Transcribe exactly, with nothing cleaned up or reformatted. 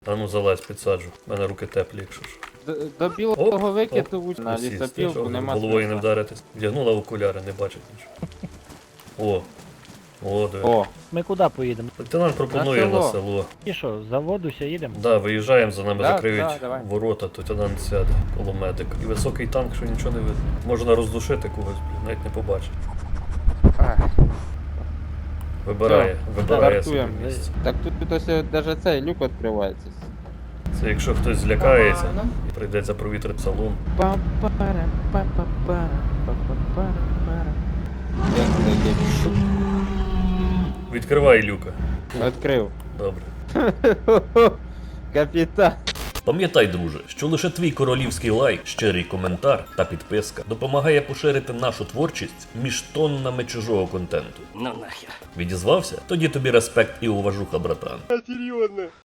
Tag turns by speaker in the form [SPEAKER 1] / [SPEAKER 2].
[SPEAKER 1] А ну залазь, підсаджу. У мене руки теплі, якщо що.
[SPEAKER 2] До, до білого викиду на лісопілку нема
[SPEAKER 1] головою не
[SPEAKER 2] смисла.
[SPEAKER 1] вдаритись. Вдягнула окуляри, не бачить нічого. О. О, диви.
[SPEAKER 2] О,
[SPEAKER 3] Ми куди поїдемо?
[SPEAKER 1] Лейтенант пропонує
[SPEAKER 2] На село.
[SPEAKER 1] на село.
[SPEAKER 3] І що, заводуся, їдемо?
[SPEAKER 1] Да, виїжджаємо, за нами
[SPEAKER 2] Да,
[SPEAKER 1] закриють
[SPEAKER 2] да, давай.
[SPEAKER 1] ворота, то лейтенант сяде коло медика. І високий танк, що нічого не видно. Можна роздушити когось, блін, навіть не побачить.
[SPEAKER 2] ах,
[SPEAKER 1] Вибирає, вибирає собі
[SPEAKER 2] стартуємо.
[SPEAKER 1] місце.
[SPEAKER 2] Так тут, тут ось навіть цей люк відкривається.
[SPEAKER 1] Це якщо хтось злякається і прийдеться провітрити салон.
[SPEAKER 2] Пам-пара, па-па-пара, па-па-пара-пара. Як таке?
[SPEAKER 1] Відкривай люка.
[SPEAKER 2] Відкрив.
[SPEAKER 1] Добре.
[SPEAKER 2] Капітан.
[SPEAKER 1] Пам'ятай, друже, що лише твій королівський лайк, щирий коментар та підписка допомагає поширити нашу творчість між тоннами чужого контенту.
[SPEAKER 4] Ну нахер.
[SPEAKER 1] Відізвався? Тоді тобі респект і уважуха, братан.
[SPEAKER 2] Серйозно.